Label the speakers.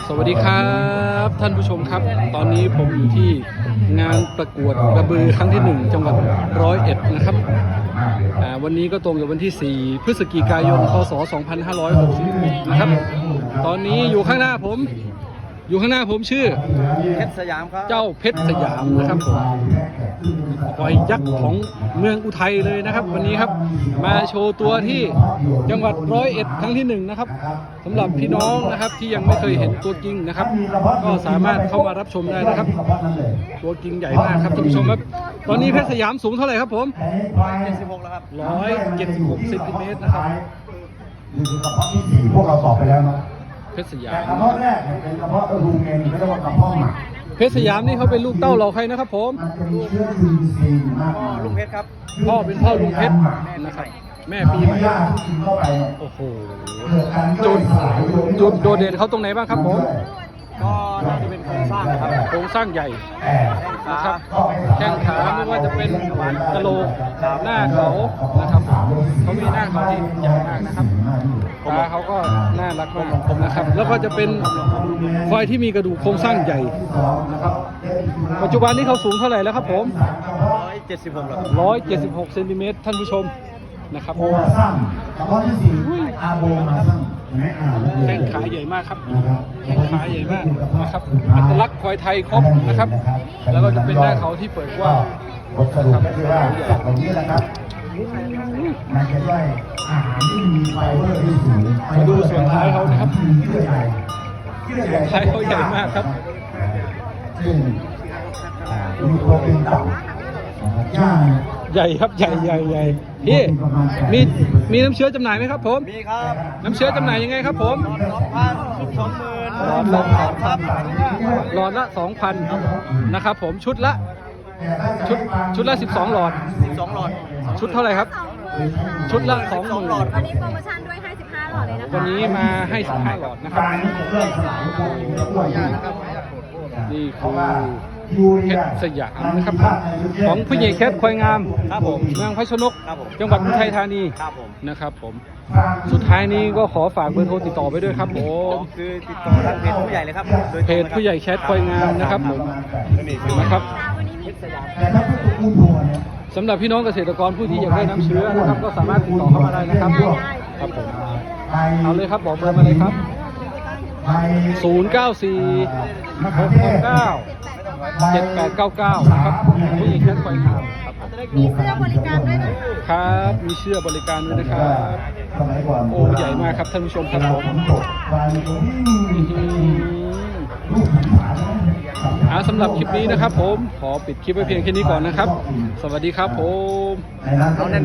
Speaker 1: สวัสดีครับท่านผู้ชมครับตอนนี้ผมอยู่ที่งานประกวดกระบือครั้งที่1จังหวัด101นะครับวันนี้ก็ตรงกับวันที่4พฤศจิกายนพศ2566นะครับตอนนี้อยู่ข้างหน้าผมชื่อ
Speaker 2: เพชรสยามครับ
Speaker 1: เจ้าเพชรสยามนะครับผมควายยักษ์ของเมืองอุทัยเลยนะครับวันนี้ครับมาโชว์ตัวที่จังหวัด101ครั้งที่1นะครับสำหรับพี่น้องนะครับที่ยังไม่เคยเห็นตัวจริงนะครับก็สามารถเข้ามารับชมได้นะครับตัวจริงใหญ่มากครับท่านผู้ชมครับตอนนี้เพชรสยามสูงเท่าไหร่ครับผม
Speaker 2: 176แล้วครับ
Speaker 1: 176เซนติเมตรนะครับ
Speaker 3: นี่คือกระเพาะที่4พวกเราตอบไปแล้วนะ
Speaker 1: เพชรสยาม
Speaker 3: แต่กระเพาะแรกเป็นกระเพาะรูเมนไม่ได้ว่ากระเพาะหมัก
Speaker 1: เพชรสยามนี่เขาเป็นลูกเต้าเราใครนะครับผม
Speaker 3: มันจะมีเชื้อจุลินทรีย์มากมาย
Speaker 2: ลุงเพชรครับ
Speaker 1: พ่อเป็นพ่อลุงเพชรนะครับแม่ปีใหม่โอ้โหจุดโดดเด่นเขาตรงไหนบ้างครับผม
Speaker 2: ก็น่าจะเป็นโครงสร้างนะครับ
Speaker 1: โครงสร้างใหญ่นะครับแข้งขาไม่ว่าจะเป็นกะโหลกหน้าเขานะครับเขามีหน้าเขาที่ใหญ่มากนะครับตาเขาก็น่ารักมากนะครับแล้วก็จะเป็นควายที่มีกระดูกโครงสร้างใหญ่นะครับปัจจุบันนี้เขาสูงเท่าไหร่แล้วครับผม
Speaker 2: 176แล้ว
Speaker 1: 176เซนติเมตรท่านผู้ชมนะครับ
Speaker 3: โบมาซ้ำกระเพาะที่4อาโบมาซ้ำ
Speaker 1: แข้งขาใหญ่มากครับแข้งขาใหญ่มากนะครับอัตลักษณ์ควายไทยครบนะครับแล้วก็จะเป็นหน้าเขาที่เปิดกว้าง
Speaker 3: บทสรุปก็คือว่าแบบนี้แหละครับมันจะได้อาหารที่มีไฟเบอร์ที่สูง
Speaker 1: มาดูส่วนท้ายเขานะครับ
Speaker 3: เยื่อใหญ่
Speaker 1: ส่วนท้ายเขาใหญ่มากครับ
Speaker 3: ซึ่งมีโปรตีนต่ำย่าง
Speaker 1: ใหญ่ครับใหญ่พี่มีน้ำเชื้อจำหน่ายไหมครับผม
Speaker 2: มีครับ
Speaker 1: น้ำเชื้อจำหน่ายยังไงครับผมหลอดละ 2,000 นะครับผมชุดละ12 หลอดชุดเท่าไหร่ครับชุดละ 20,000
Speaker 4: วันนี้โปรโมชั่นด้วยให้15 หลอดเลยนะคะ
Speaker 1: วันนี้มาให้15 หลอดนะครับนี่คือเพชรสยามนะครับของผู้ใหญ่แคทควายงาม
Speaker 2: ครับผม
Speaker 1: เมืองพชนกจังหวัดอุทัยธานีนะครับผมสุดท้ายนี้ก็ขอฝากเบอร์โทรติดต่อไปด้วยครับผม
Speaker 2: คือติดต่อทางเพจผู้ใหญ่เลยครับ
Speaker 1: เพจผู้ใหญ่แคทควายงามนะครับผมนะครับสำหรับพี่น้องเกษตรกรผู้ที่อยากได้น้ำเชื้อนะครับก็สามารถติดต่อเข้ามาได้นะครับครับผมเอาเลยครับบอกเบอร์มาเลยครับ094-669-7899นะครับผู้ใหญ่แคทควายงาม
Speaker 4: มีเสื้อบริการด้วยนะครับ
Speaker 1: มีเสื้อบริการด้วยนะครับโอ้ใหญ่มากครับท่านผู้ชมครับผมสำหรับคลิปนี้นะครับผมขอปิดคลิปไว้เพียงแค่นี้ก่อนนะครับสวัสดีครับผม